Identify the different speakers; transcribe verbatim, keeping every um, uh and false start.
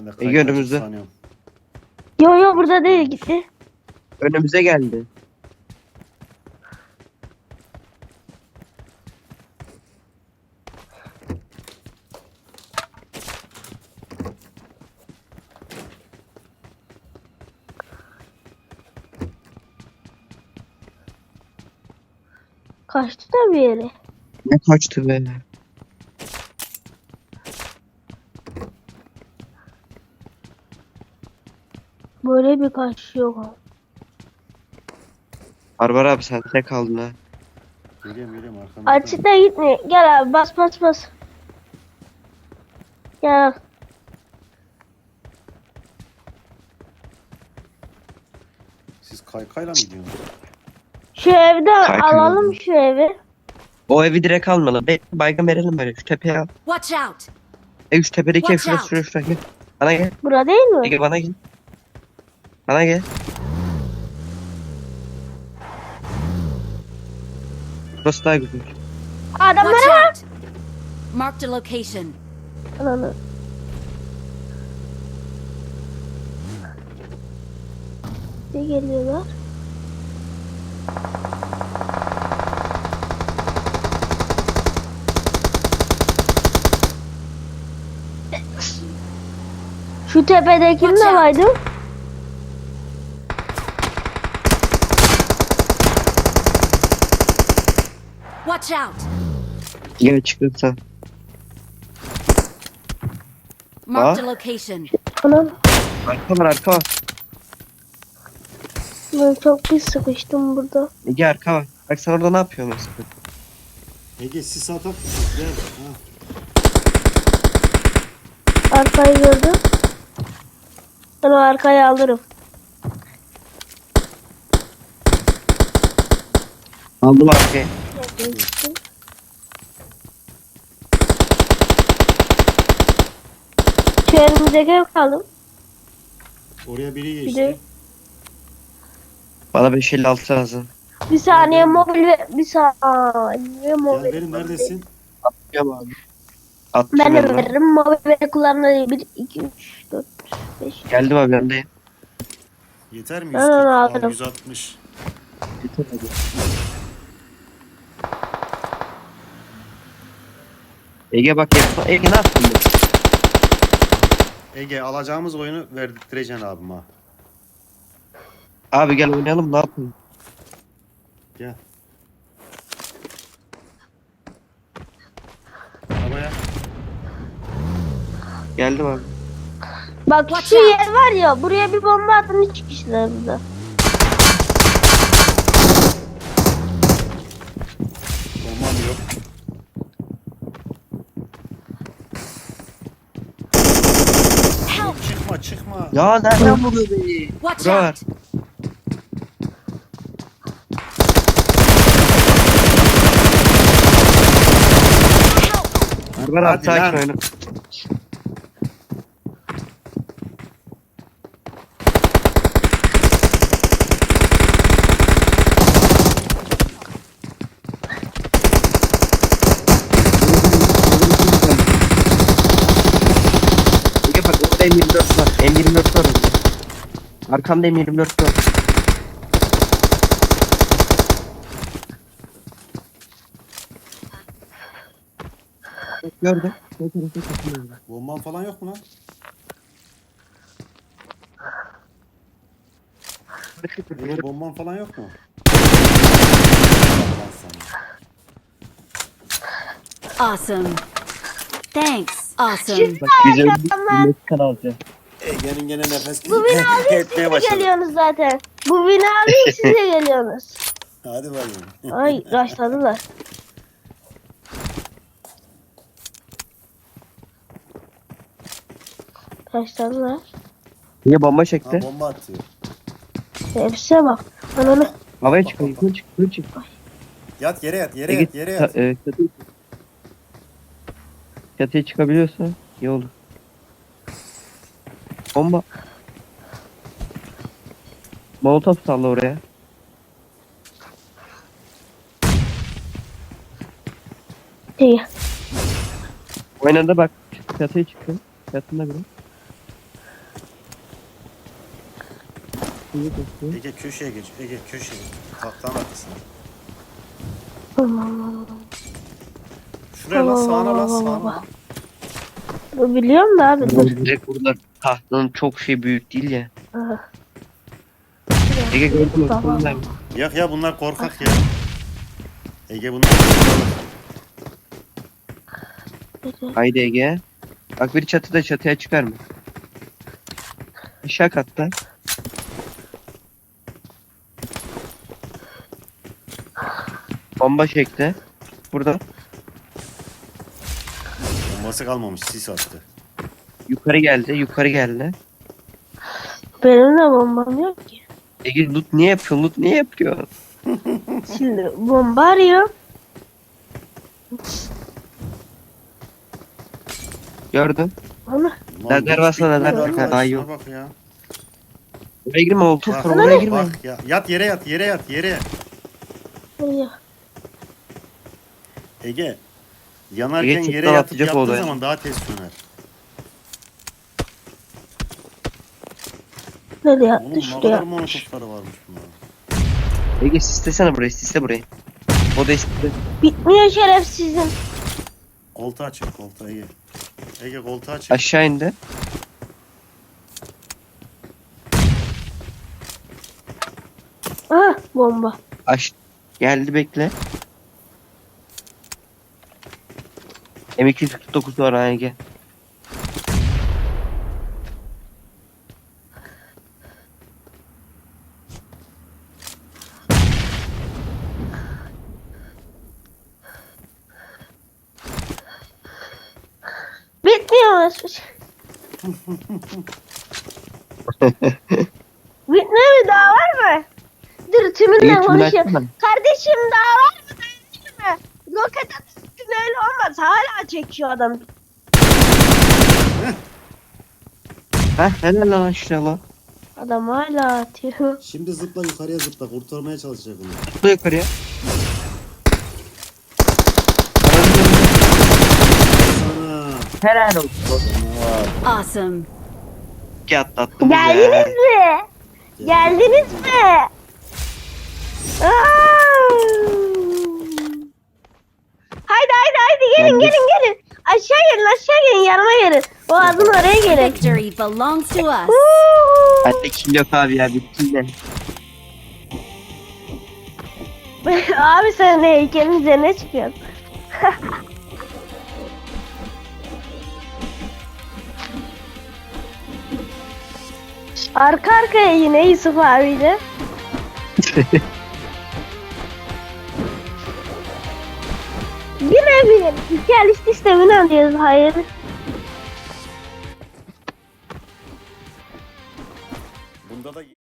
Speaker 1: Ben de
Speaker 2: Ege
Speaker 1: kayıt
Speaker 2: önümüzde.
Speaker 1: sanıyorum.
Speaker 3: Yo yo burada değil gitti.
Speaker 2: Önümüze geldi.
Speaker 3: Kaçtı da bir yere.
Speaker 2: Ne kaçtı be.
Speaker 3: Böyle bir kaçış yok abi.
Speaker 2: Barbar abi sen tek kaldın ha.
Speaker 1: Geliyorum geliyorum arkamda.
Speaker 3: Açıkta gitme. Gel abi bas bas bas. Gel.
Speaker 1: Siz kaykayla mı gidiyorsunuz?
Speaker 3: Şu evden
Speaker 2: Kaykay
Speaker 3: alalım
Speaker 2: oldu.
Speaker 3: şu evi.
Speaker 2: O evi direkt almalı. Be baygın verelim böyle. Şu tepeye al.
Speaker 4: Watch out!
Speaker 2: E şu tepedeki ev
Speaker 4: Watch
Speaker 2: şurası
Speaker 4: out.
Speaker 2: şurası şurası. Gel. Bana gel.
Speaker 3: Bura değil mi?
Speaker 2: Ege bana gel. Bana gel. Burası daha güzel.
Speaker 3: Adamlara
Speaker 4: Watch
Speaker 3: bak.
Speaker 4: out! Marked a location.
Speaker 3: Ananı. Ne geliyorlar? Şu tepedekini
Speaker 4: Watch
Speaker 3: de
Speaker 4: out.
Speaker 3: baydım.
Speaker 4: Watch out!
Speaker 2: Gel çıkırsa.
Speaker 4: Marked
Speaker 2: Ah.
Speaker 4: a location.
Speaker 3: Anam.
Speaker 2: Arka var arka var.
Speaker 3: Ben çok pis sıkıştım burada.
Speaker 2: Ege arka var. Bak sen orada ne yapıyorsun mesela?
Speaker 1: Ege sis atıp gel. Ha.
Speaker 3: Arkayı gördüm. Ben o arkayı alırım.
Speaker 2: Aldım arkaya.
Speaker 3: Şu önümüzdeki ev kaldım.
Speaker 1: Oraya biri
Speaker 3: Bir
Speaker 1: geçti.
Speaker 3: de
Speaker 2: Bana beş elli altı lazım.
Speaker 3: bir saniye mobil ve bir saniye mobil.
Speaker 1: Gel benim neredesin?
Speaker 2: Yapıyorum abi. Attım
Speaker 3: Ben de
Speaker 2: ben.
Speaker 3: veririm. Mobil ve kullanmayı bir, iki, üç, dört, beş.
Speaker 2: Geldim abi ben de.
Speaker 1: Yeter mi?
Speaker 3: Ben
Speaker 1: yüz kırk?
Speaker 3: onu
Speaker 1: Al,
Speaker 3: alırım.
Speaker 1: yüz altmış.
Speaker 2: Yeter hadi. Ege bak yapma. Ege ne yaptın? be?
Speaker 1: Ege alacağımız oyunu verdirteceksin abim ha.
Speaker 2: Abi gel oynayalım ne yapalım?
Speaker 1: Gel. Arabaya.
Speaker 2: Geldim abi.
Speaker 3: Bak
Speaker 4: Watch
Speaker 3: şu
Speaker 4: out.
Speaker 3: yer var ya, buraya bir bomba atın, hiç kişiler burada.
Speaker 1: Bombam yok.
Speaker 4: Help!
Speaker 1: Çıkma çıkma.
Speaker 2: Ya nereden vuruyor beni?
Speaker 4: Watch
Speaker 2: Bura var.
Speaker 4: out! Help!
Speaker 2: Barbar abi
Speaker 1: Hadi
Speaker 2: sakin
Speaker 1: lan.
Speaker 2: oyna. Ege bak orada M yirmi dört var. M yirmi dört var orada. Arkamda M yirmi dört var. Bak gördüm. Sol tarafa takılıyorum.
Speaker 1: Bomban falan yok mu lan? Ege bomban falan yok mu? Allah sana.
Speaker 4: Awesome. Thanks. Awesome.
Speaker 2: Bak güzel bir Meksikan alacağım.
Speaker 1: Ege'nin gene nefes
Speaker 3: Bu bina alayım, siz
Speaker 1: etmeye
Speaker 3: de
Speaker 1: başladı.
Speaker 3: geliyorsunuz zaten. Bu bina alayım, siz de geliyorsunuz.
Speaker 1: Hadi bakayım.
Speaker 3: Ay, başladılar. Başladılar.
Speaker 2: Niye bomba
Speaker 1: Ha,
Speaker 2: çekti?
Speaker 1: bomba atıyor.
Speaker 3: Hepsine bak. Ananı.
Speaker 2: Havaya çık, yukarı çık, yukarı çık.
Speaker 1: Yat yere yat yere
Speaker 2: Ege,
Speaker 1: yat yere yat.
Speaker 2: ta- e, çatıya, çatıya çıkabiliyorsa iyi olur. Bomba. Molotof salla oraya.
Speaker 3: İyi.
Speaker 2: Oynadı bak. Çatıya çıktı. Çatında biri. İyi bakıyor.
Speaker 1: Ege köşeye geç. Ege köşeye. Tahtanın arkasına. Şuraya lan sağına lan sağına lan.
Speaker 3: Bu biliyorum da abi. Dur.
Speaker 2: Direkt burada tahtanın çok şey büyük değil ya.
Speaker 3: Ah.
Speaker 2: Ege gördün mü?
Speaker 3: Tamam.
Speaker 2: Buradayım.
Speaker 1: Yok ya bunlar korkak ya. Ege bunlar korkak.
Speaker 2: Haydi Ege. Bak biri çatıda, çatıya çıkar mı? Aşağı katta. Bomba çekti. Burada.
Speaker 1: Bombası kalmamış sis attı.
Speaker 2: Yukarı geldi. Yukarı geldi.
Speaker 3: Benim de bombam yok ki.
Speaker 2: Ege loot niye yapıyor? Loot niye yapıyor?
Speaker 3: Şimdi bomba arıyor.
Speaker 2: Gördün.
Speaker 3: Onu
Speaker 1: Lan
Speaker 2: Lazer
Speaker 1: hiç
Speaker 2: basma, lazer
Speaker 1: bitmedi
Speaker 2: basma,
Speaker 1: arkadaş,
Speaker 2: daha iyi
Speaker 1: şuna
Speaker 2: yok.
Speaker 1: Bak ya.
Speaker 2: Oraya girme, oltu
Speaker 1: Bak,
Speaker 2: var, oraya girme.
Speaker 1: bak ya. Yat yere yat yere yat yere.
Speaker 3: arıyor.
Speaker 1: Ege. Yanarken
Speaker 2: Ege
Speaker 1: yere
Speaker 2: çift
Speaker 1: yatıp
Speaker 2: atacak
Speaker 1: yattığın
Speaker 2: oldu ya.
Speaker 1: zaman daha tez söner.
Speaker 3: Nereye
Speaker 1: Oğlum
Speaker 3: attı
Speaker 1: ne
Speaker 3: şuraya?
Speaker 1: kadar monotopları varmış bunların.
Speaker 2: Ege sislesene burayı, sisle burayı. O da istedi.
Speaker 3: Bitmiyor şerefsizim.
Speaker 1: Koltuğu açık koltuğu Ege. Ege koltuğu açık.
Speaker 2: Aşağı indi.
Speaker 3: Ah bomba.
Speaker 2: Aş geldi, bekle. M iki yüz kırk dokuz var ha Ege.
Speaker 3: Bitmiyor. Bitmiyor mu? Daha var mı? Dur tümünle
Speaker 2: Ege tümünü
Speaker 3: konuşayım.
Speaker 2: açsana.
Speaker 3: Kardeşim daha var mı? Değil mi? Roket atışın öyle olmaz. Hala çekiyor adam.
Speaker 2: Heh, helal lan aşağı lan.
Speaker 3: Adam hala atıyor.
Speaker 1: Şimdi zıpla yukarıya zıpla kurtarmaya çalışacak onu.
Speaker 2: Tutla yukarıya.
Speaker 1: Sana.
Speaker 2: Helal olsun.
Speaker 1: Canavar.
Speaker 4: Awesome.
Speaker 2: İki atlattım.
Speaker 3: Geldiniz mi? Geldiniz mi? Aa! Haydi haydi haydi gelin
Speaker 2: Geldik.
Speaker 3: gelin gelin. Aşağı gelin aşağı gelin yanıma gelin. O adın oraya gelin.
Speaker 4: Victory belongs to us.
Speaker 3: Uuu.
Speaker 2: Bende kill yok abi ya, bitti de.
Speaker 3: Abi sen ne heykelin üzerine çıkıyorsun. Arka arkaya yine Yusuf abiyle. Yine bir hikaye sistemini alıyoruz. Hayır.
Speaker 1: Bunda da